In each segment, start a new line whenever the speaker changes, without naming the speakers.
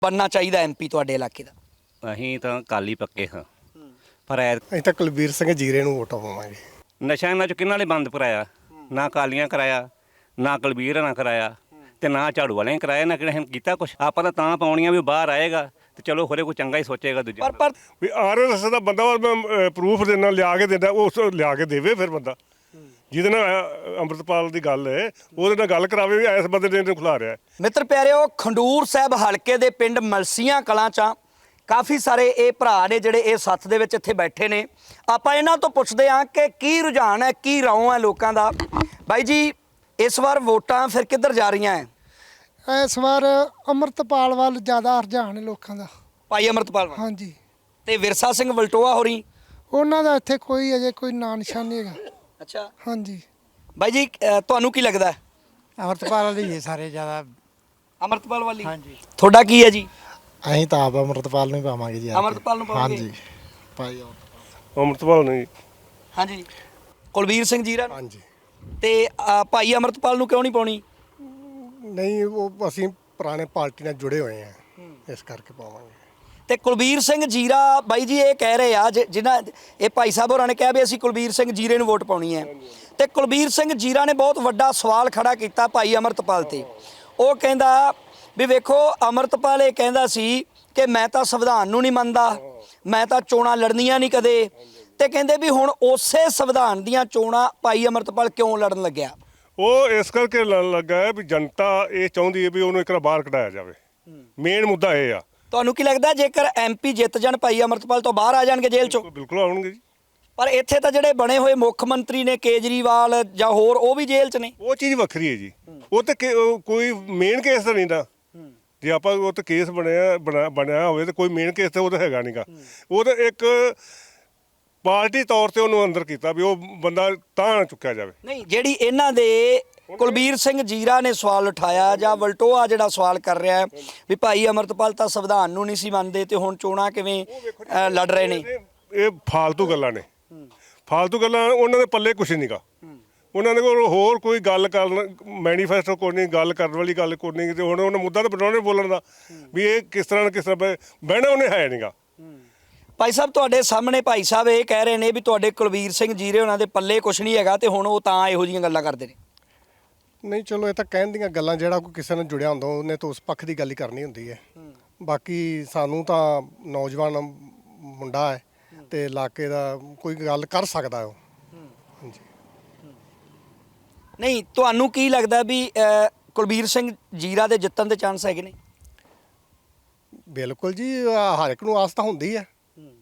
बनना चाहिए एमपी ਤੁਹਾਡੇ ਇਲਾਕੇ ਦਾ?
ਅਸੀਂ ਤਾਂ ਕਾਲੀ ਪੱਕੇ ਹਾਂ, ਪਰ
ਅਸੀਂ ਤਾਂ ਕੁਲਬੀਰ ਸਿੰਘ ਜੀਰੇ ਨੂੰ ਵੋਟਾਂ ਪਾਵਾਂਗੇ।
ਨਸ਼ਾ ਇਹਨਾਂ 'ਚ ਕਿਹਨਾਂ ਨੇ ਬੰਦ ਕਰਾਇਆ? ਨਾ ਕਾਲੀਆਂ ਕਰਾਇਆ, ਨਾ ਕੁਲਬੀਰ ਨਾ ਕਰਾਇਆ, ਤੇ ਨਾ ਝਾੜੂ ਵਾਲਿਆਂ ਨੇ ਕਰਾਇਆ, ਨਾ ਕਿਹਨੇ ਕੀਤਾ ਕੁਛ। ਆਪਾਂ ਤਾਂ ਪਾਉਣੀਆਂ ਵੀ ਬਾਹਰ ਆਏਗਾ ਤੇ ਚਲੋ ਹੋਰੇ ਕੋਈ ਚੰਗਾ ਹੀ ਸੋਚੇਗਾ ਦੂਜਾ।
ਪਰ
ਵੀ ਆਰਐਸਐਸ ਦਾ ਬੰਦਾ ਮੈਂ ਪ੍ਰੂਫ ਦੇਣਾ ਲਿਆ ਕੇ ਦਿੰਦਾ, ਉਸ ਲਿਆ ਕੇ ਦੇਵੇ ਫਿਰ ਬੰਦਾ ਜਿਹਦੇ ਨਾਲ ਅੰਮ੍ਰਿਤਪਾਲ ਦੀ ਗੱਲ ਹੈ ਉਹਦੇ ਨਾਲ ਗੱਲ ਕਰਾਵੇ ਵੀ ਇਸ ਬੰਦੇ ਨੇ ਇਹਨੂੰ ਖਿਲਾ ਰਿਹਾ।
ਮਿੱਤਰ ਪਿਆਰਿਓ, ਖੰਡੂਰ ਸਾਹਿਬ ਹਲਕੇ ਦੇ ਪਿੰਡ ਮਲਸੀਆਂ ਕਲਾਂ 'ਚ ਕਾਫੀ ਸਾਰੇ ਇਹ ਭਰਾ ਨੇ ਜਿਹੜੇ ਇਹ ਸੱਥ ਦੇ ਵਿੱਚ ਇੱਥੇ ਬੈਠੇ ਨੇ। ਆਪਾਂ ਇਹਨਾਂ ਤੋਂ ਪੁੱਛਦੇ ਹਾਂ ਕਿ ਕੀ ਰੁਝਾਨ ਹੈ, ਕੀ ਰੌਂ ਹੈ ਲੋਕਾਂ ਦਾ। ਬਾਈ ਜੀ, ਇਸ ਵਾਰ ਵੋਟਾਂ ਫਿਰ ਕਿੱਧਰ ਜਾ ਰਹੀਆਂ ਹੈ?
ਇਸ ਵਾਰ ਅੰਮ੍ਰਿਤਪਾਲ ਵੱਲ ਜ਼ਿਆਦਾ ਰੁਝਾਨ ਹੈ ਲੋਕਾਂ ਦਾ।
ਭਾਈ ਅੰਮ੍ਰਿਤਪਾਲ ਵੱਲ।
ਹਾਂਜੀ।
ਤੇ ਵਿਰਸਾ ਸਿੰਘ ਵਲਟੋਆ ਹੋਰੀ?
ਉਹਨਾਂ ਦਾ ਇੱਥੇ ਕੋਈ ਅਜੇ ਕੋਈ ਨਾਂ ਨਿਸ਼ਾਨ ਨਹੀਂ ਹੈਗਾ।
ਅੱਛਾ।
ਹਾਂਜੀ।
ਬਾਈ ਜੀ, ਤੁਹਾਨੂੰ ਕੀ ਲੱਗਦਾ?
ਅੰਮ੍ਰਿਤਪਾਲ ਵਾਲੀ ਸਾਰੇ ਜ਼ਿਆਦਾ।
ਅੰਮ੍ਰਿਤਪਾਲ ਵਾਲੀ?
ਹਾਂਜੀ।
ਤੁਹਾਡਾ ਕੀ ਹੈ ਜੀ?
ਅਸੀਂ ਤਾਂ ਆਪ ਅੰਮ੍ਰਿਤਪਾਲ ਨੂੰ ਹੀ ਪਾਵਾਂਗੇ ਜੀ।
ਅੰਮ੍ਰਿਤਪਾਲ ਨੂੰ ਪਾਵਾਂਗੇ?
ਹਾਂਜੀ ਭਾਈ
ਅੰਮ੍ਰਿਤਪਾਲ ਨਹੀਂ।
ਹਾਂਜੀ। ਕੁਲਬੀਰ ਸਿੰਘ ਜੀਰਾ?
ਹਾਂਜੀ।
ਤੇ ਭਾਈ ਅੰਮ੍ਰਿਤਪਾਲ ਨੂੰ ਕਿਉਂ ਨਹੀਂ ਪਾਉਣੀ?
ਨਹੀਂ, ਉਹ ਅਸੀਂ ਪੁਰਾਣੇ ਪਾਰਟੀ ਨਾਲ ਜੁੜੇ ਹੋਏ ਆ, ਇਸ ਕਰਕੇ ਪਾਵਾਂਗੇ।
ਤੇ ਕੁਲਬੀਰ ਸਿੰਘ ਜੀਰਾ ਬਾਈ ਜੀ ਇਹ ਕਹਿ ਰਹੇ ਆ ਜਿਨ੍ਹਾਂ ਇਹ ਭਾਈ ਸਾਹਿਬ ਹੋਰਾਂ ਨੇ ਕਿਹਾ ਵੀ ਅਸੀਂ ਕੁਲਬੀਰ ਸਿੰਘ ਜੀਰੇ ਨੂੰ ਵੋਟ ਪਾਉਣੀ ਹੈ, ਤੇ ਕੁਲਬੀਰ ਸਿੰਘ ਜੀਰਾ ਨੇ ਬਹੁਤ ਵੱਡਾ ਸਵਾਲ ਖੜਾ ਕੀਤਾ ਭਾਈ ਅੰਮ੍ਰਿਤਪਾਲ ਤੇ। ਉਹ ਕਹਿੰਦਾ ਵੀ ਵੇਖੋ, ਅੰਮ੍ਰਿਤਪਾਲ ਇਹ ਕਹਿੰਦਾ ਸੀ ਕਿ ਮੈਂ ਤਾਂ ਸੰਵਿਧਾਨ ਨੂੰ ਨਹੀਂ ਮੰਨਦਾ, ਮੈਂ ਤਾਂ ਚੋਣਾਂ ਲੜਨੀਆਂ ਨਹੀਂ ਕਦੇ, ਤੇ ਕਹਿੰਦੇ ਵੀ ਹੁਣ ਉਸੇ ਸੰਵਿਧਾਨ ਦੀਆਂ ਚੋਣਾਂ ਭਾਈ ਅੰਮ੍ਰਿਤਪਾਲ ਕਿਉਂ ਲੜਨ ਲੱਗਿਆ?
ਉਹ ਇਸ ਕਰਕੇ ਲੜਨ ਲੱਗਾ ਹੈ ਵੀ ਜਨਤਾ ਇਹ ਚਾਹੁੰਦੀ ਹੈ ਵੀ ਉਹਨੂੰ ਇੱਕ ਵਾਰ ਬਾਹਰ ਕਢਾਇਆ ਜਾਵੇ। ਮੇਨ ਮੁੱਦਾ ਇਹ ਆ।
ਤੁਹਾਨੂੰ ਕੀ ਲੱਗਦਾ ਜੇਕਰ ਐਮਪੀ ਜਿੱਤ ਜਾਣ ਭਾਈ ਅੰਮ੍ਰਿਤਪਾਲ ਤੋਂ ਬਾਹਰ ਆ ਜਾਣਗੇ ਜੇਲ੍ਹ ਚੋਂ?
ਬਿਲਕੁਲ ਆਉਣਗੇ ਜੀ।
ਪਰ ਇੱਥੇ ਤਾਂ ਜਿਹੜੇ ਬਣੇ ਹੋਏ ਮੁੱਖ ਮੰਤਰੀ ਨੇ ਕੇਜਰੀਵਾਲ ਜਾਂ ਹੋਰ, ਉਹ ਵੀ ਜੇਲ੍ਹ 'ਚ ਨੇ।
ਉਹ ਚੀਜ਼ ਵੱਖਰੀ ਹੈ ਜੀ। ਉਹ ਤੇ ਕੋਈ ਮੇਨ ਕੇਸ ਤਾਂ ਨਹੀਂ ਦਾ। ਜੇ ਆਪਾਂ ਉਹ ਤੇ ਕੇਸ ਬਣਿਆ ਹੋਵੇ ਤੇ ਕੋਈ ਮੇਨ ਕੇਸ ਤਾਂ ਉਹ ਤਾਂ ਹੈਗਾ ਨਹੀਂਗਾ। ਉਹ ਤਾਂ ਇੱਕ ਪਾਰਟੀ ਤੌਰ ਤੇ ਉਹਨੂੰ ਅੰਦਰ ਕੀਤਾ ਵੀ ਉਹ ਬੰਦਾ ਤਾਂ ਨਾ ਚੁੱਕਿਆ ਜਾਵੇ।
ਨਹੀਂ, ਜਿਹੜੀ ਇਹਨਾਂ ਦੇ ਕੁਲਬੀਰ ਸਿੰਘ ਜੀਰਾ ਨੇ ਸਵਾਲ ਉਠਾਇਆ ਜਾਂ ਵਲਟੋਆ ਜਿਹੜਾ ਸਵਾਲ ਕਰ ਰਿਹਾ ਹੈ ਵੀ ਭਾਈ ਅੰਮ੍ਰਿਤਪਾਲ ਤਾਂ ਸੰਵਿਧਾਨ ਨੂੰ ਨਹੀਂ ਸੀ ਮੰਨਦੇ ਤੇ ਹੁਣ ਚੋਣਾਂ ਕਿਵੇਂ ਲੜ ਰਹੇ ਨੇ,
ਇਹ ਫਾਲਤੂ ਗੱਲਾਂ ਨੇ। ਫਾਲਤੂ ਗੱਲਾਂ, ਉਹਨਾਂ ਦੇ ਪੱਲੇ ਕੁਛ ਨਹੀਂਗਾ। ਉਹਨਾਂ ਦੇ ਕੋਲ ਹੋਰ ਕੋਈ ਗੱਲ ਕਰਨ, ਮੈਨੀਫੈਸਟੋ ਕੋਈ ਨਹੀਂ, ਗੱਲ ਕਰਨ ਵਾਲੀ ਗੱਲ ਕੋਈ ਨਹੀਂ। ਤੇ ਹੁਣ ਉਹਨਾਂ ਮੁੱਦਾ ਤਾਂ ਬਣਾਉਣੇ ਬੋਲਣ ਦਾ ਵੀ ਇਹ ਕਿਸ ਤਰ੍ਹਾਂ ਬਹਿਣਾ ਉਹਨੇ ਹੈ ਨਹੀਂਗਾ।
ਭਾਈ ਸਾਹਿਬ ਤੁਹਾਡੇ ਸਾਹਮਣੇ ਭਾਈ ਸਾਹਿਬ ਇਹ ਕਹਿ ਰਹੇ ਨੇ ਵੀ ਤੁਹਾਡੇ ਕੁਲਬੀਰ ਸਿੰਘ ਜੀਰੇ ਉਹਨਾਂ ਦੇ ਪੱਲੇ ਕੁਛ ਨਹੀਂ ਹੈਗਾ ਤੇ ਹੁਣ ਉਹ ਤਾਂ ਇਹੋ ਜਿਹੀਆਂ ਗੱਲਾਂ ਕਰਦੇ ਨੇ।
ਨਹੀਂ, ਚਲੋ ਇਹ ਤਾਂ ਕਹਿਣ ਦੀਆਂ ਗੱਲਾਂ, ਜਿਹੜਾ ਕੋਈ ਕਿਸੇ ਨਾਲ ਜੁੜਿਆ ਹੁੰਦਾ ਉਹਨੇ ਤਾਂ ਉਸ ਪੱਖ ਦੀ ਗੱਲ ਹੀ ਕਰਨੀ ਹੁੰਦੀ ਹੈ। ਬਾਕੀ ਸਾਨੂੰ ਤਾਂ ਨੌਜਵਾਨ ਮੁੰਡਾ ਹੈ ਤੇ ਇਲਾਕੇ ਦਾ ਕੋਈ ਗੱਲ ਕਰ ਸਕਦਾ ਉਹ। ਹਾਂਜੀ।
ਨਹੀਂ, ਤੁਹਾਨੂੰ ਕੀ ਲੱਗਦਾ ਵੀ ਕੁਲਬੀਰ ਸਿੰਘ ਜੀਰਾ ਦੇ ਜਿੱਤਣ ਦੇ ਚਾਂਸ ਹੈਗੇ ਨੇ?
ਬਿਲਕੁਲ ਜੀ, ਹਰ ਇੱਕ ਨੂੰ ਆਸ ਤਾਂ ਹੁੰਦੀ ਹੈ।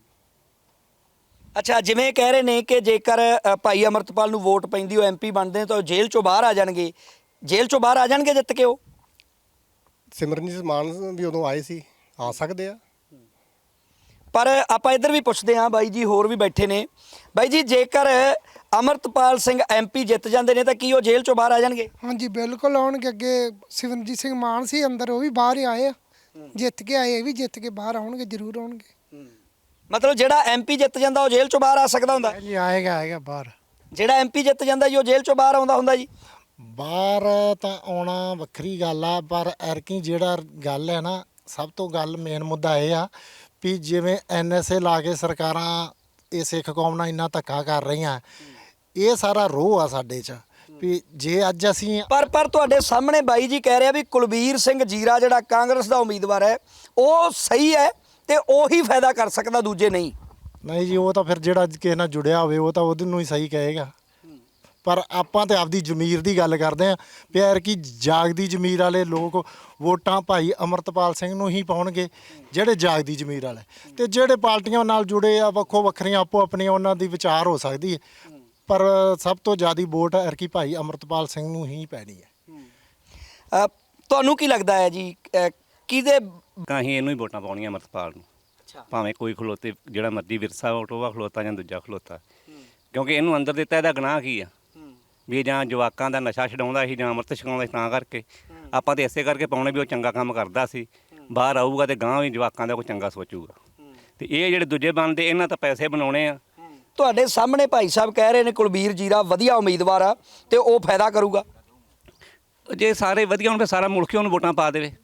ਅੱਛਾ, ਜਿਵੇਂ ਕਹਿ ਰਹੇ ਨੇ ਕਿ ਜੇਕਰ ਭਾਈ ਅੰਮ੍ਰਿਤਪਾਲ ਨੂੰ ਵੋਟ ਪੈਂਦੀ ਉਹ ਐਮਪੀ ਬਣਦੇ ਤਾਂ ਉਹ ਜੇਲ੍ਹ ਚੋਂ ਬਾਹਰ ਆ ਜਾਣਗੇ। ਜੇਲ੍ਹ ਚੋਂ ਬਾਹਰ ਆ ਜਾਣਗੇ ਜਿੱਤ ਕੇ ਉਹ?
ਸਿਮਰਨਜੀਤ ਮਾਨ ਵੀ ਉਦੋਂ ਆਏ ਸੀ, ਆ ਸਕਦੇ ਆ।
ਪਰ ਆਪਾਂ ਇੱਧਰ ਵੀ ਪੁੱਛਦੇ ਹਾਂ, ਬਾਈ ਜੀ ਹੋਰ ਵੀ ਬੈਠੇ ਨੇ। ਬਾਈ ਜੀ, ਜੇਕਰ ਅੰਮ੍ਰਿਤਪਾਲ ਸਿੰਘ ਐਮਪੀ ਜਿੱਤ ਜਾਂਦੇ ਨੇ ਤਾਂ ਕੀ ਉਹ ਜੇਲ੍ਹ ਚੋਂ ਬਾਹਰ ਆ ਜਾਣਗੇ?
ਹਾਂਜੀ, ਬਿਲਕੁਲ ਆਉਣਗੇ। ਅੱਗੇ ਸਿਮਰਨਜੀਤ ਸਿੰਘ ਮਾਨ ਸੀ ਅੰਦਰ, ਉਹ ਵੀ ਬਾਹਰ ਹੀ ਆਏ ਆ, ਜਿੱਤ ਕੇ ਆਏ, ਇਹ ਵੀ ਜਿੱਤ ਕੇ ਬਾਹਰ ਆਉਣਗੇ, ਜ਼ਰੂਰ ਆਉਣਗੇ।
ਮਤਲਬ ਜਿਹੜਾ ਐਮਪੀ ਜਿੱਤ ਜਾਂਦਾ ਉਹ ਜੇਲ੍ਹ ਚੋਂ ਬਾਹਰ ਆ ਸਕਦਾ ਹੁੰਦਾ?
ਜੀ ਆਏਗਾ ਬਾਹਰ।
ਜਿਹੜਾ ਐਮਪੀ ਜਿੱਤ ਜਾਂਦਾ ਜੀ ਉਹ ਜੇਲ੍ਹ ਚੋਂ ਬਾਹਰ ਆਉਂਦਾ ਹੁੰਦਾ ਜੀ?
ਬਾਹਰ ਤਾਂ ਆਉਣਾ ਵੱਖਰੀ ਗੱਲ ਆ, ਪਰ ਐਰਕੀ ਜਿਹੜਾ ਗੱਲ ਹੈ ਨਾ, ਸਭ ਤੋਂ ਗੱਲ ਮੇਨ ਮੁੱਦਾ ਇਹ ਆ ਵੀ ਜਿਵੇਂ NSA ਲਾ ਕੇ ਸਰਕਾਰਾਂ ਇਹ ਸਿੱਖ ਕੌਮ ਨਾਲ ਇੰਨਾ ਧੱਕਾ ਕਰ ਰਹੀਆਂ, ਇਹ ਸਾਰਾ ਰੋਹ ਆ ਸਾਡੇ 'ਚ ਵੀ ਜੇ ਅੱਜ ਅਸੀਂ
ਪਰ ਤੁਹਾਡੇ ਸਾਹਮਣੇ ਬਾਈ ਜੀ ਕਹਿ ਰਿਹਾ ਵੀ ਕੁਲਬੀਰ ਸਿੰਘ ਜੀਰਾ ਜਿਹੜਾ ਕਾਂਗਰਸ ਦਾ ਉਮੀਦਵਾਰ ਹੈ ਉਹ ਸਹੀ ਹੈ ਤੇ ਉਹੀ ਫਾਇਦਾ ਕਰ ਸਕਦਾ, ਦੂਜੇ ਨਹੀਂ।
ਨਹੀਂ ਜੀ, ਉਹ ਤਾਂ ਫਿਰ ਜਿਹੜਾ ਕਿਸੇ ਨਾਲ ਜੁੜਿਆ ਹੋਵੇ ਉਹ ਤਾਂ ਉਹਦੇ ਨੂੰ ਹੀ ਸਹੀ ਕਹੇਗਾ। ਪਰ ਆਪਾਂ ਤੇ ਆਪਦੀ ਜ਼ਮੀਰ ਦੀ ਗੱਲ ਕਰਦੇ ਆਂ, ਪਿਆਰ ਕੀ ਜਾਗਦੀ ਜ਼ਮੀਰ ਵਾਲੇ ਲੋਕ ਵੋਟਾਂ ਭਾਈ ਅੰਮ੍ਰਿਤਪਾਲ ਸਿੰਘ ਨੂੰ ਹੀ ਪਾਉਣਗੇ, ਜਿਹੜੇ ਜਾਗਦੀ ਜ਼ਮੀਰ ਵਾਲੇ। ਤੇ ਜਿਹੜੇ ਪਾਰਟੀਆਂ ਨਾਲ ਜੁੜੇ ਆ ਵੱਖੋ ਵੱਖਰੀਆਂ ਆਪੋ ਆਪਣੀਆਂ ਉਹਨਾਂ ਦੀ ਵਿਚਾਰ ਹੋ ਸਕਦੀ ਹੈ, ਪਰ ਸਭ ਤੋਂ ਜ਼ਿਆਦਾ ਵੋਟ ਐਰਕੀ ਭਾਈ ਅੰਮ੍ਰਿਤਪਾਲ ਸਿੰਘ ਨੂੰ ਹੀ ਪੈਣੀ ਹੈ।
ਤੁਹਾਨੂੰ ਕੀ ਲੱਗਦਾ ਹੈ ਜੀ, ਕਿਹਦੇ?
ਅਸੀਂ ਇਹਨੂੰ ਹੀ ਵੋਟਾਂ ਪਾਉਣੀਆਂ ਅੰਮ੍ਰਿਤਪਾਲ ਨੂੰ, ਭਾਵੇਂ ਕੋਈ ਖਲੋਤੇ, ਜਿਹੜਾ ਮਰਜ਼ੀ ਵਿਰਸਾ ਵੋਟੋਵਾ ਖਲੋਤਾ ਜਾਂ ਦੂਜਾ ਖਲੋਤਾ, ਕਿਉਂਕਿ ਇਹਨੂੰ ਅੰਦਰ ਦਿੱਤਾ ਇਹਦਾ ਗੁਨਾਹ ਕੀ ਆ ਵੀ ਜਾਂ ਜਵਾਕਾਂ ਦਾ ਨਸ਼ਾ ਛਡਾਉਂਦਾ ਸੀ ਜਾਂ ਅੰਮ੍ਰਿਤ ਛਕਾਉਂਦਾ ਸੀ। ਤਾਂ ਕਰਕੇ ਆਪਾਂ ਤਾਂ ਇਸੇ ਕਰਕੇ ਪਾਉਣੇ ਵੀ ਉਹ ਚੰਗਾ ਕੰਮ ਕਰਦਾ ਸੀ, ਬਾਹਰ ਆਊਗਾ ਤੇ ਗਾਂਹ ਵੀ ਜਵਾਕਾਂ ਦਾ ਕੋਈ ਚੰਗਾ ਸੋਚੂਗਾ। ਤੇ ਇਹ ਜਿਹੜੇ ਦੂਜੇ ਬਣਦੇ ਇਹਨਾਂ ਤਾਂ ਪੈਸੇ ਬਣਾਉਣੇ ਆ।
ਤੁਹਾਡੇ ਸਾਹਮਣੇ ਭਾਈ ਸਾਹਿਬ ਕਹਿ ਰਹੇ ਨੇ ਕੁਲਬੀਰ ਜੀਰਾ ਵਧੀਆ ਉਮੀਦਵਾਰ ਆ ਤੇ ਉਹ ਫਾਇਦਾ ਕਰੂਗਾ।
ਜੇ ਸਾਰੇ ਵਧੀਆ ਹੋਣ ਫਿਰ ਸਾਰਾ ਮੁਲਕ ਹੀ ਉਹਨੂੰ ਵੋਟਾਂ ਪਾ ਦੇਵੇ।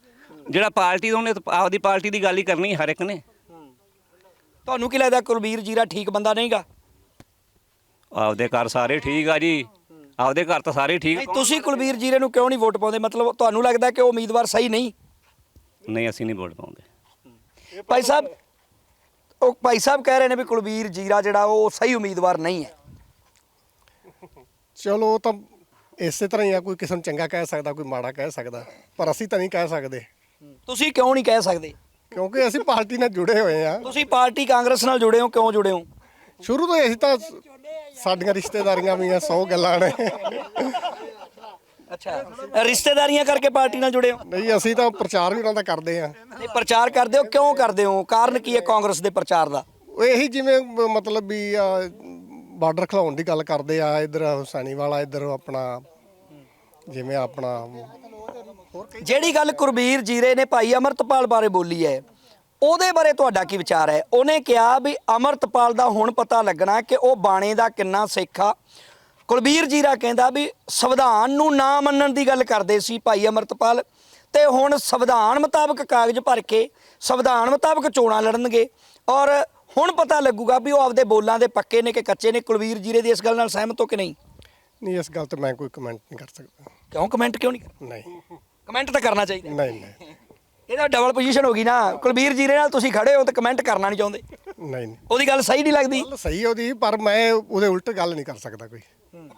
ਜਿਹੜਾ ਪਾਰਟੀ ਦਾ ਉਹਨੇ ਤਾਂ ਆਪਦੀ ਪਾਰਟੀ ਦੀ ਗੱਲ ਹੀ ਕਰਨੀ ਹਰ ਇੱਕ ਨੇ।
ਤੁਹਾਨੂੰ ਕੀ ਲੱਗਦਾ ਕੁਲਬੀਰ ਜੀਰਾ ਠੀਕ ਬੰਦਾ ਨਹੀਂਗਾ?
ਆਪਦੇ ਘਰ ਸਾਰੇ ਠੀਕ ਆ ਜੀ, ਆਪਦੇ ਘਰ ਤਾਂ ਸਾਰੇ ਠੀਕ।
ਨਹੀਂ, ਤੁਸੀਂ ਕੁਲਬੀਰ ਜੀਰੇ ਨੂੰ ਕਿਉਂ ਨਹੀਂ ਵੋਟ ਪਾਉਂਦੇ? ਮਤਲਬ ਤੁਹਾਨੂੰ ਲੱਗਦਾ ਕਿ ਉਹ ਉਮੀਦਵਾਰ ਸਹੀ ਨਹੀਂ?
ਨਹੀਂ, ਅਸੀਂ ਨਹੀਂ ਵੋਟ ਪਾਉਂਦੇ।
ਭਾਈ ਸਾਹਿਬ, ਉਹ ਭਾਈ ਸਾਹਿਬ ਕਹਿ ਰਹੇ ਨੇ ਵੀ ਕੁਲਬੀਰ ਜੀਰਾ ਜਿਹੜਾ ਉਹ ਸਹੀ ਉਮੀਦਵਾਰ ਨਹੀਂ ਹੈ।
ਚਲੋ ਉਹ ਤਾਂ ਇਸੇ ਤਰ੍ਹਾਂ ਹੀ ਆ, ਕੋਈ ਕਿਸੇ ਨੂੰ ਚੰਗਾ ਕਹਿ ਸਕਦਾ, ਕੋਈ ਮਾੜਾ ਕਹਿ ਸਕਦਾ, ਪਰ ਅਸੀਂ ਤਾਂ ਨਹੀਂ ਕਹਿ ਸਕਦੇ
ਤੁਸੀਂ ਕਿਉਂ ਨਹੀਂ ਕਹਿ ਸਕਦੇ?
ਕਿਉਂਕਿ ਅਸੀਂ ਪਾਰਟੀ ਨਾਲ ਜੁੜੇ ਹੋਏ ਆ।
ਤੁਸੀਂ ਪਾਰਟੀ ਕਾਂਗਰਸ ਨਾਲ ਜੁੜੇ ਹੋ, ਕਿਉਂ ਜੁੜੇ ਹੋ?
ਸ਼ੁਰੂ ਤੋਂ ਅਸੀਂ ਤਾਂ ਸਾਡੀਆਂ ਰਿਸ਼ਤੇਦਾਰੀਆਂ ਵੀ ਆ, 100 ਗੱਲਾਂ ਨੇ।
ਅੱਛਾ, ਰਿਸ਼ਤੇਦਾਰੀਆਂ ਕਰਕੇ ਪਾਰਟੀ ਨਾਲ ਜੁੜੇ ਹੋ?
ਨਹੀਂ, ਅਸੀਂ ਤਾਂ ਪ੍ਰਚਾਰ ਵੀ ਉਹਨਾਂ ਦਾ ਕਰਦੇ ਆ।
ਨਹੀਂ, ਪ੍ਰਚਾਰ ਕਰਦੇ ਹੋ, ਕਿਉਂ ਕਰਦੇ ਹੋ? ਕਾਰਨ ਕੀ ਹੈ ਕਾਂਗਰਸ ਦੇ ਪ੍ਰਚਾਰ ਦਾ?
ਇਹੀ ਜਿਵੇਂ ਮਤਲਬ ਵੀ ਬਾਰਡਰ ਖਿਲਾਉਣ ਦੀ ਗੱਲ ਕਰਦੇ ਆ, ਇਧਰ ਹੁਸੈਨੀ ਵਾਲਾ, ਇਧਰ ਆਪਣਾ ਜਿਵੇਂ ਆਪਣਾ
ਜਿਹੜੀ ਗੱਲ ਕੁਲਬੀਰ ਜੀਰੇ ਨੇ ਭਾਈ ਅਮਰਤਪਾਲ ਬਾਰੇ ਬੋਲੀ ਹੈ, ਉਹਦੇ ਬਾਰੇ ਤੁਹਾਡਾ ਕੀ ਵਿਚਾਰ ਹੈ? ਉਹਨੇ ਕਿਹਾ ਵੀ ਅਮਰਤਪਾਲ ਦਾ ਹੁਣ ਪਤਾ ਲੱਗਣਾ ਕਿ ਉਹ ਬਾਣੇ ਦਾ ਕਿੰਨਾ ਸਿੱਖ ਆ। ਕੁਲਬੀਰ ਜੀਰਾ ਕਹਿੰਦਾ ਵੀ ਸੰਵਿਧਾਨ ਨੂੰ ਨਾ ਮੰਨਣ ਦੀ ਗੱਲ ਕਰਦੇ ਸੀ ਭਾਈ ਅਮਰਤਪਾਲ, ਤੇ ਹੁਣ ਸੰਵਿਧਾਨ ਮੁਤਾਬਕ ਕਾਗਜ਼ ਭਰ ਕੇ ਸੰਵਿਧਾਨ ਮੁਤਾਬਕ ਚੋਣਾਂ ਲੜਨਗੇ, ਔਰ ਹੁਣ ਪਤਾ ਲੱਗੂਗਾ ਵੀ ਉਹ ਆਪਦੇ ਬੋਲਾਂ ਦੇ ਪੱਕੇ ਨੇ ਕਿ ਕੱਚੇ ਨੇ। ਕੁਲਬੀਰ ਜੀਰੇ ਦੀ ਇਸ ਗੱਲ ਨਾਲ ਸਹਿਮਤ ਹੋ ਕਿ ਨਹੀਂ?
ਨਹੀਂ, ਇਸ ਗੱਲ ਤੇ ਮੈਂ ਕੋਈ ਕਮੈਂਟ ਨਹੀਂ ਕਰ ਸਕਦਾ।
ਕਿਉਂ ਕਮੈਂਟ ਕਿਉਂ ਨਹੀਂ ਕਰਨਾ?
ਨਹੀਂ
ਕਮੈਂਟ ਤਾਂ ਕਰਨਾ ਚਾਹੀਦਾ।
ਨਹੀਂ ਨਹੀਂ
ਇਹਦਾ ਡਬਲ ਪੋਜੀਸ਼ਨ ਹੋ ਗਈ ਨਾ। ਕੁਲਬੀਰ ਜੀਰੇ ਨਾਲ ਤੁਸੀਂ ਖੜੇ ਹੋ ਤੇ ਕਮੈਂਟ ਕਰਨਾ ਨਹੀਂ ਚਾਹੁੰਦੇ,
ਨਹੀਂ ਨਹੀਂ
ਉਹਦੀ ਗੱਲ ਸਹੀ ਨਹੀਂ ਲੱਗਦੀ?
ਗੱਲ ਸਹੀ ਹੈ ਉਹਦੀ, ਪਰ ਮੈਂ ਉਹਦੇ ਉਲਟ ਗੱਲ ਨਹੀਂ ਕਰ ਸਕਦਾ ਕੋਈ।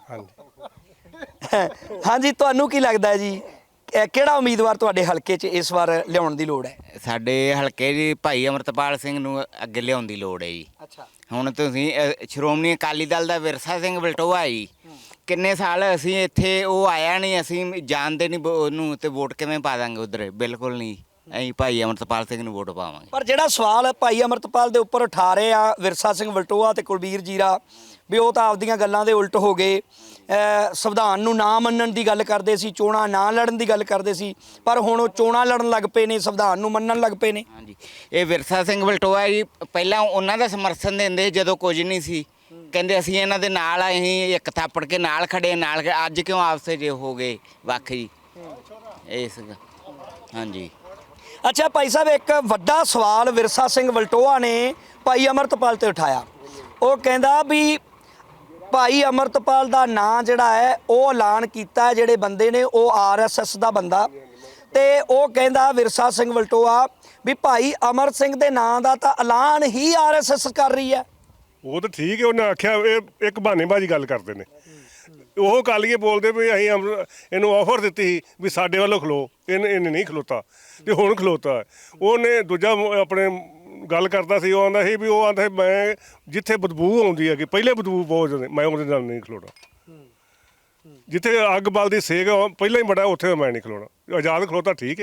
ਹਾਂਜੀ
ਹਾਂਜੀ, ਤੁਹਾਨੂੰ ਕੀ ਲੱਗਦਾ ਹੈ ਜੀ, ਕਿਹੜਾ ਉਮੀਦਵਾਰ ਤੁਹਾਡੇ ਹਲਕੇ 'ਚ ਇਸ ਵਾਰ ਲਿਆਉਣ ਦੀ ਲੋੜ ਹੈ?
ਸਾਡੇ ਹਲਕੇ ਜੀ ਭਾਈ ਅਮਰਤਪਾਲ ਸਿੰਘ ਨੂੰ ਅੱਗੇ ਲਿਆਉਣ ਦੀ ਲੋੜ ਹੈ ਜੀ।
ਅੱਛਾ,
ਹੁਣ ਤੁਸੀਂ ਸ਼੍ਰੋਮਣੀ ਅਕਾਲੀ ਦਲ ਦਾ ਵਿਰਸਾ ਸਿੰਘ ਵਲਟੋਆ ਜੀ, ਕਿੰਨੇ ਸਾਲ ਅਸੀਂ ਇੱਥੇ, ਉਹ ਆਇਆ ਨਹੀਂ, ਅਸੀਂ ਜਾਣਦੇ ਨਹੀਂ ਉਹਨੂੰ, ਤੇ ਵੋਟ ਕਿਵੇਂ ਪਾ ਦਾਂਗੇ ਉਧਰ? ਬਿਲਕੁਲ ਨਹੀਂ, ਅਸੀਂ ਭਾਈ ਅਮਰਤਪਾਲ ਸਿੰਘ ਨੂੰ ਵੋਟ ਪਾਵਾਂਗੇ।
ਪਰ ਜਿਹੜਾ ਸਵਾਲ ਭਾਈ ਅਮਰਤਪਾਲ ਦੇ ਉੱਪਰ ਉਠਾ ਰਹੇ ਆ ਵਿਰਸਾ ਸਿੰਘ ਵਲਟੋਆ ਤੇ ਕੁਲਬੀਰ ਜੀਰਾ, ਵੀ ਉਹ ਤਾਂ ਆਪਦੀਆਂ ਗੱਲਾਂ ਦੇ ਉਲਟ ਹੋ ਗਏ, ਸੰਵਿਧਾਨ ਨੂੰ ਨਾ ਮੰਨਣ ਦੀ ਗੱਲ ਕਰਦੇ ਸੀ, ਚੋਣਾਂ ਨਾ ਲੜਨ ਦੀ ਗੱਲ ਕਰਦੇ ਸੀ, ਪਰ ਹੁਣ ਉਹ ਚੋਣਾਂ ਲੜਨ ਲੱਗ ਪਏ ਨੇ, ਸੰਵਿਧਾਨ ਨੂੰ ਮੰਨਣ ਲੱਗ ਪਏ ਨੇ।
ਹਾਂਜੀ, ਇਹ ਵਿਰਸਾ ਸਿੰਘ ਵਲਟੋਆ ਜੀ ਪਹਿਲਾਂ ਉਹਨਾਂ ਦਾ ਸਮਰਥਨ ਦਿੰਦੇ ਜਦੋਂ ਕੁਝ ਨਹੀਂ ਸੀ, ਕਹਿੰਦੇ ਅਸੀਂ ਇਹਨਾਂ ਦੇ ਨਾਲ ਆ, ਅਸੀਂ ਇੱਕ ਥਾਪੜ ਕੇ ਨਾਲ ਖੜੇ ਨਾਲ, ਅੱਜ ਕਿਉਂ ਆਪਸੇ ਜੇ ਹੋ ਗਏ ਵੱਖ ਜੀ? ਇਸ ਹਾਂਜੀ।
ਅੱਛਾ ਭਾਈ ਸਾਹਿਬ, ਇੱਕ ਵੱਡਾ ਸਵਾਲ ਵਿਰਸਾ ਸਿੰਘ ਵਲਟੋਆ ਨੇ ਭਾਈ ਅਮਰਤਪਾਲ ਤੇ ਉਠਾਇਆ। ਉਹ ਕਹਿੰਦਾ ਵੀ ਭਾਈ ਅਮਰਤਪਾਲ ਦਾ ਨਾਂ ਜਿਹੜਾ ਹੈ ਉਹ ਐਲਾਨ ਕੀਤਾ ਜਿਹੜੇ ਬੰਦੇ ਨੇ ਉਹ ਆਰਐਸਐਸ ਦਾ ਬੰਦਾ, ਤੇ ਉਹ ਕਹਿੰਦਾ ਵਿਰਸਾ ਸਿੰਘ ਵਲਟੋਆ ਵੀ ਭਾਈ ਅਮਰ ਸਿੰਘ ਦੇ ਨਾਂ ਦਾ ਤਾਂ ਐਲਾਨ ਹੀ ਆਰਐਸਐਸ ਕਰ ਰਹੀ ਹੈ।
ਉਹ ਤਾਂ ਠੀਕ ਹੈ, ਉਹਨੇ ਆਖਿਆ ਇਹ ਇੱਕ ਬਹਾਨੇਬਾਜ਼ੀ ਗੱਲ ਕਰਦੇ ਨੇ। ਉਹ ਕਾਲੀਏ ਬੋਲਦੇ ਵੀ ਅਸੀਂ ਇਹਨੂੰ ਆਫਰ ਦਿੱਤੀ ਸੀ ਵੀ ਸਾਡੇ ਵੱਲੋਂ ਖਲੋ, ਇਹਨੇ ਨਹੀਂ ਖਲੋਤਾ ਤੇ ਹੁਣ ਖਲੋਤਾ। ਉਹਨੇ ਦੂਜਾ ਆਪਣੇ ਗੱਲ ਕਰਦਾ ਸੀ, ਉਹ ਆਂਦਾ ਸੀ ਵੀ, ਉਹ ਆਂਦਾ ਸੀ ਮੈਂ ਜਿੱਥੇ ਬਦਬੂ ਆਉਂਦੀ ਹੈਗੀ, ਪਹਿਲੇ ਬਦਬੂ ਬਹੁਤ ਜ਼ਿਆਦਾ, ਮੈਂ ਉਹਦੇ ਨਾਲ ਨਹੀਂ ਖਲੋਣਾ। ਜਿੱਥੇ ਅੱਗ ਬਲਦੀ ਸੇਕ ਪਹਿਲਾਂ ਹੀ ਬੜਾ, ਉੱਥੇ ਮੈਂ ਨਹੀਂ ਖਲੋਣਾ। ਆਜ਼ਾਦ ਖਲੋਤਾ ਠੀਕ ਹੈ,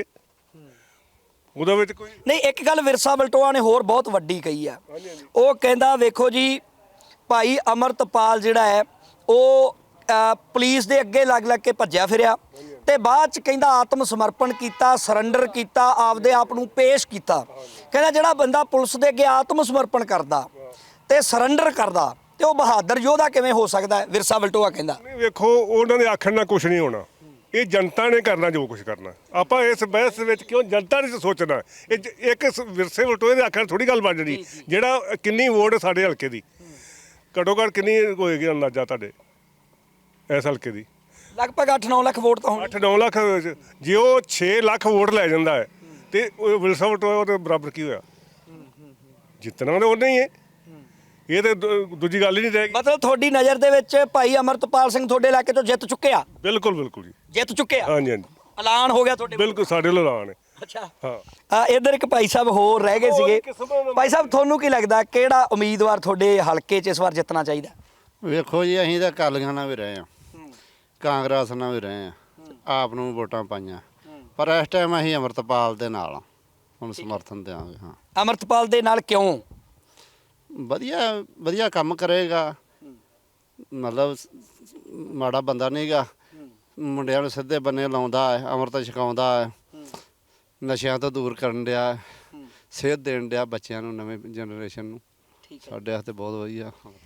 ਉਹਦੇ ਵਿੱਚ ਕੋਈ
ਨਹੀਂ। ਇੱਕ ਗੱਲ ਵਿਰਸਾ ਵਲਟੋਆ ਨੇ ਹੋਰ ਬਹੁਤ ਵੱਡੀ ਕਹੀ ਆ। ਉਹ ਕਹਿੰਦਾ ਵੇਖੋ ਜੀ, ਭਾਈ ਅਮਰਤਪਾਲ ਜਿਹੜਾ ਹੈ ਉਹ ਪੁਲਿਸ ਦੇ ਅੱਗੇ ਲੱਗ ਕੇ ਭੱਜਿਆ ਫਿਰਿਆ, ਤੇ ਬਾਅਦ ਚ ਕਹਿੰਦਾ ਆਤਮ ਸਮਰਪਣ ਕੀਤਾ, ਸਰੈਂਡਰ ਕੀਤਾ, ਆਪਦੇ ਆਪ ਨੂੰ ਪੇਸ਼ ਕੀਤਾ। ਕਹਿੰਦਾ ਜਿਹੜਾ ਬੰਦਾ ਪੁਲਿਸ ਦੇ ਅੱਗੇ ਆਤਮ ਸਮਰਪਣ ਕਰਦਾ ਤੇ ਸਰੈਂਡਰ ਕਰਦਾ, ਤੇ ਉਹ ਬਹਾਦਰ ਯੋਧਾ ਕਿਵੇਂ ਹੋ ਸਕਦਾ ਹੈ? ਵਿਰਸਾ ਵਲਟੋਆ ਕਹਿੰਦਾ।
ਵੇਖੋ, ਉਹਨਾਂ ਦੇ ਆਖਣ ਨਾਲ ਕੁਝ ਨਹੀਂ ਹੋਣਾ, ਇਹ ਜਨਤਾ ਨੇ ਕਰਨਾ ਜੋ ਕੁਝ ਕਰਨਾ। ਆਪਾਂ ਇਸ ਬਹਿਸ ਵਿੱਚ ਕਿਉਂ ਜਨਤਾ ਨੇ ਸੋਚਣਾ? ਇਹ ਇੱਕ ਵਿਰਸੇ ਵਲਟੋਏ ਦੇ ਆਖਣ ਥੋੜੀ ਗੱਲ ਬਣ ਜਣੀ। ਜਿਹੜਾ ਕਿੰਨੀ ਵੋਟ ਸਾਡੇ ਹਲਕੇ ਦੀ, ਘੱਟੋ ਘੱਟ ਕਿੰਨੀ ਹੋਏਗੀ ਅੰਦਾਜ਼ਾ ਤੁਹਾਡੇ ਇਸ ਹਲਕੇ ਦੀ?
ਲਗਭਗ 8-9 ਲੱਖ ਵੋਟ ਤਾਂ ਹੋਣੀ।
8-9 ਲੱਖ, ਜੇ ਉਹ 6 ਲੱਖ ਵੋਟ ਲੈ ਜਾਂਦਾ ਹੈ ਤੇ ਉਹ ਵਿਰਸਾ ਵਲਟੋਆ ਉਹਦੇ ਬਰਾਬਰ ਕੀ ਹੋਇਆ? ਜਿੱਤਣਾ ਤਾਂ ਉਹਨੇ ਹੀ ਹੈ, ਇਹ ਤਾਂ ਦੂਜੀ ਗੱਲ ਹੀ ਨਹੀਂ ਰਹੇਗੀ।
ਮਤਲਬ ਤੁਹਾਡੀ ਨਜ਼ਰ ਦੇ ਵਿੱਚ ਭਾਈ ਅਮਰਤਪਾਲ ਸਿੰਘ ਤੁਹਾਡੇ ਇਲਾਕੇ ਤੋਂ ਜਿੱਤ ਚੁੱਕੇ ਆ?
ਬਿਲਕੁਲ ਬਿਲਕੁਲ ਜੀ,
ਜਿੱਤ ਚੁੱਕੇ ਆ,
ਹਾਂਜੀ ਹਾਂਜੀ,
ਐਲਾਨ ਹੋ ਗਿਆ ਤੁਹਾਡੇ?
ਬਿਲਕੁਲ ਸਾਡੇ ਵੱਲੋਂ ਐਲਾਨ ਹੈ।
ਅੱਛਾ,
ਹਾਂ।
ਇੱਧਰ ਇੱਕ ਭਾਈ ਸਾਹਿਬ ਹੋਰ ਰਹਿ ਗਏ ਸੀਗੇ। ਭਾਈ ਸਾਹਿਬ, ਤੁਹਾਨੂੰ ਕੀ ਲੱਗਦਾ ਕਿਹੜਾ ਉਮੀਦਵਾਰ ਤੁਹਾਡੇ ਹਲਕੇ 'ਚ ਇਸ ਵਾਰ ਜਿੱਤਣਾ ਚਾਹੀਦਾ?
ਵੇਖੋ ਜੀ, ਅਸੀਂ ਤਾਂ ਅਕਾਲੀਆਂ ਨਾਲ ਵੀ ਰਹੇ ਹਾਂ, ਕਾਂਗਰਸ ਨਾਲ ਵੀ ਰਹੇ ਹਾਂ, ਆਪ ਨੂੰ ਵੋਟਾਂ ਪਾਈਆਂ, ਪਰ ਇਸ ਟਾਈਮ ਅਸੀਂ ਅਮਰਤਪਾਲ ਦੇ ਨਾਲ ਹੁਣ ਸਮਰਥਨ ਦਿਆਂਗੇ। ਹਾਂ,
ਅਮਰਤਪਾਲ ਦੇ ਨਾਲ ਕਿਉਂ?
ਵਧੀਆ ਕੰਮ ਕਰੇਗਾ, ਮਤਲਬ ਮਾੜਾ ਬੰਦਾ ਨਹੀਂਗਾ, ਮੁੰਡਿਆਂ ਨੂੰ ਸਿੱਧੇ ਬੰਨੇ ਲਾਉਂਦਾ ਹੈ, ਅੰਮ੍ਰਿਤ ਛਕਾਉਂਦਾ ਹੈ, ਨਸ਼ਿਆਂ ਤੋਂ ਦੂਰ ਕਰਨ ਡਿਆ, ਸੇਧ ਦੇਣ ਡਿਆ ਬੱਚਿਆਂ ਨੂੰ, ਨਵੇਂ ਜਨਰੇਸ਼ਨ ਨੂੰ। ਸਾਡੇ ਵਾਸਤੇ ਬਹੁਤ ਵਧੀਆ।